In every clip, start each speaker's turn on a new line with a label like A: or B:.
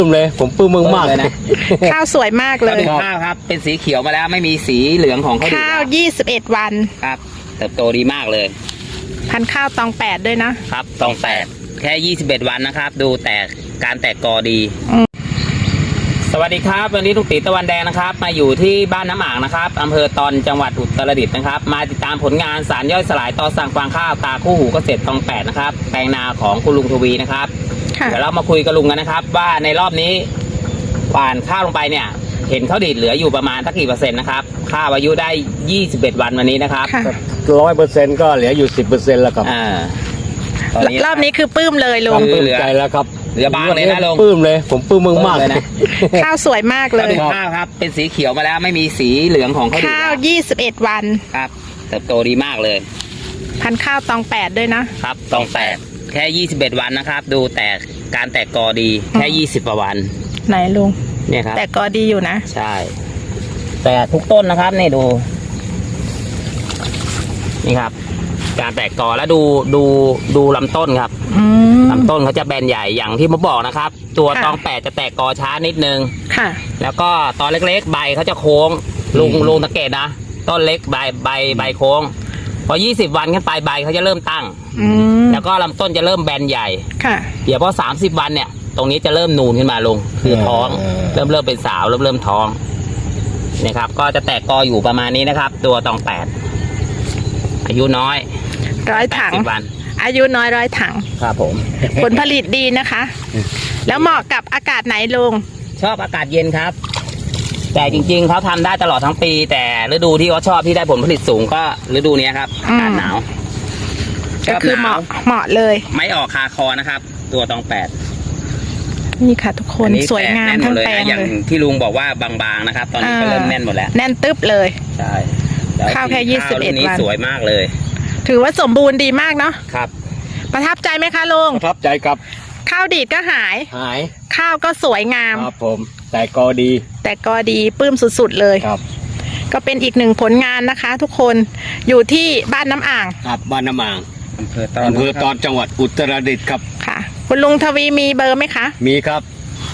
A: เลยผมปลื้มมากเลยนะ
B: ข้าวสวยมากเลย
C: ข้าวครับเป็นสีเขียวมาแล้วไม่มีสีเหลืองของข้าวดี
B: ข้าว21 วัน
C: ครับเติบโตดีมากเลย
B: พันธุ์ข้าวตอง8ด้วยนะครับ
C: ตองแปดแค่21วันนะครับดูแต่การแตกกอดีสวัสดีครับวันนี้ลุงตีตะวันแดงนะครับมาอยู่ที่บ้านน้ำอ่างนะครับอำเภอตอนจังหวัดอุตรดิตถ์นะครับมาติดตามผลงานสารย่อยสลายต่อสั่งฟางข้าวตาคู่หูเกษตรตอง8นะครับแปลงนาของคุณลุงทวีนะครับเดี๋ยวเรามาคุยกับลุงกันนะครับว่าในรอบนี้หว่านข้าวลงไปเนี่ยเห็นข้าวดีดเหลืออยู่ประมาณสักกี่เปอร์เซ็นต์นะครับข้าวอายุได้21วันวันนี้นะครับ
A: 100%ก็เหลืออยู่10%แล้วครับ
C: ตอนนี้
B: รอบนี้คือปลื้มเลยลุง
A: ปลื้มใจแล้วครับ
C: เหลือบางเลยนะลุง
A: ปลื้มเลยผมปลื้มมาก
C: เลยนะ
B: ข้าวสวยมากเลย
C: ข้าวครับเป็นสีเขียวมาแล้วไม่มีสีเหลืองของข้าวดี
B: ข้าว21 วัน
C: ครับเติบโตดีมากเลย
B: พันธุ์ข้าวตอง8ด้วยนะครับ
C: ตองแปดแค่21วันนะครับดูแต่การแตกกอดีแค่20กว่าวัน
B: ไหนลุง
C: เนี่ยครับ
B: แต่ก็ดีอยู่นะ
C: ใช่แต่ทุกต้นนะครับนี่นี่ครับ การแตกกอแล้วดูลำต้นครับ
B: อืม
C: ลำต้นเขาจะแบนใหญ่อย่างที่ผมบอกนะครับ ตัว
B: ค่ะ
C: ตองแปดจะแตกกอช้านิดนึง
B: ค่ะ
C: แล้วก็ตอนเล็กๆใบเขาจะโค้งลุงสังเกตนะต้นเล็กใบโค้งพอ20วันขึ้นไปใบเขาจะเริ่มตั้ง
B: อืม
C: แล้วก็ลำต้นจะเริ่มแบนใหญ่
B: ค่ะ
C: เดี๋ยวพอ30วันเนี่ย ตรงนี้จะเริ่มนูนขึ้นมาลงคือท้องเริ่มเป็นสาวเริ่มท้องนะครับ ก็จะแตกกออยู่ประมาณนี้นะครับ ตัวตอง8อายุน้อย
B: 100 ถัง
C: 80วัน
B: อายุน้อย100 ถัง
C: ครับผม
B: ผลผลิตดีนะคะ แล้วเหมาะกับอากาศไหนลุง
C: ชอบอากาศเย็นครับ แต่จริงๆเขาทำได้ตลอดทั้งปี แต่ฤดูที่เขาชอบที่ได้ผลผลิตสูงก็ฤดูนี้ครับอากาศหนาว
B: ก็คือเหมาะเลย
C: ไม่ออกคาคอนะครับ ตัวตอง8
B: นี่ค่ะทุกคน
C: อันนี้
B: สวยงาม
C: แน่นหม
B: ทั้
C: ด
B: ง
C: เลย
B: แปลง
C: นะอย่าง
B: เลย
C: ที่ลุงบอกว่าบางๆนะครับ ตอนนี้ก็เริ่มแน่นหมดแล้ว
B: แน่นตึ๊บเลย
C: ใช่ล้ว
B: ข้าวแค่
C: สีข้าว
B: 21
C: รุ่นนี้
B: วัน
C: สวยมากเลย
B: ถือว่าสมบูรณ์ดีมากเนาะ
C: ครับ
B: ประทับใจไหมคะลุง
A: ประทับใจครับ
B: ข้าวดีดก็หาย
A: หาย
B: ข้าวก็สวยงาม
A: ครับผมแต่ก็ดี
B: แต่ก็ดีปลื้มสุดๆเลย
A: ครับ
B: ก็เป็นอีกหนึ่งผลงานนะคะ ทุกคนอยู่ที่บ้านน้ำอ่าง
A: ครับบ้านน้ำอ่าง
C: อำเภอต
A: อำเภอตอนจังหวัดอุตรดิตถ์ครับ
B: ค่ะ คุณลุงทวีมีเบอร์ไหมคะ
A: มีครับ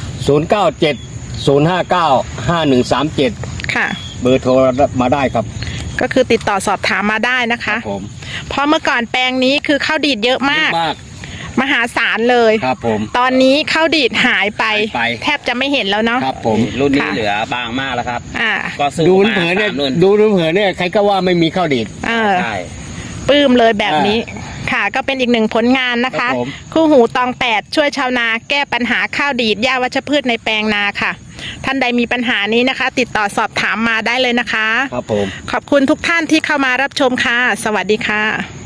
A: 097 059 5137
B: ค่ะ
A: เบอร์โทรมาได้ครับ
B: ก็คือติดต่อสอบถามมาได้นะ
A: ครั
B: คะ
A: บผม
B: เพราะเมื่อก่อนแปลงนี้คือข้าวดีดเยอะมาก
A: มาก
B: มหาศาลเลย
A: ครับผม
B: ตอนนี้ข้าวดีดหายไป
A: หายไป
B: แทบจะไม่เห็นแล้วเนาะ
A: ครับผม
C: รุ่นนี้
B: ค่ะ
C: เหลือบางมากแล้วครับ
B: อ่า
C: ก็สู้
A: ดู
C: มา
A: เผินเนี่ย
C: 3รุ่น
A: ดูเผินเนี่ยใครก็ว่าไม่มีข้าวดีด
B: เออ
C: ใช่
B: ปลื้มเลยแบบนี้ ค่ะ ก็เป็นอีกหนึ่งผลงานนะคะ
A: ครับผม
B: คู่หูตอง8ช่วยชาวนาแก้ปัญหาข้าวดีดหญ้าวัชพืชในแปลงนาค่ะ ท่านใดมีปัญหานี้นะคะ ติดต่อสอบถามมาได้เลยนะคะ
A: ครับผม
B: ขอบคุณทุกท่านที่เข้ามารับชมค่ะ สวัสดีค่ะ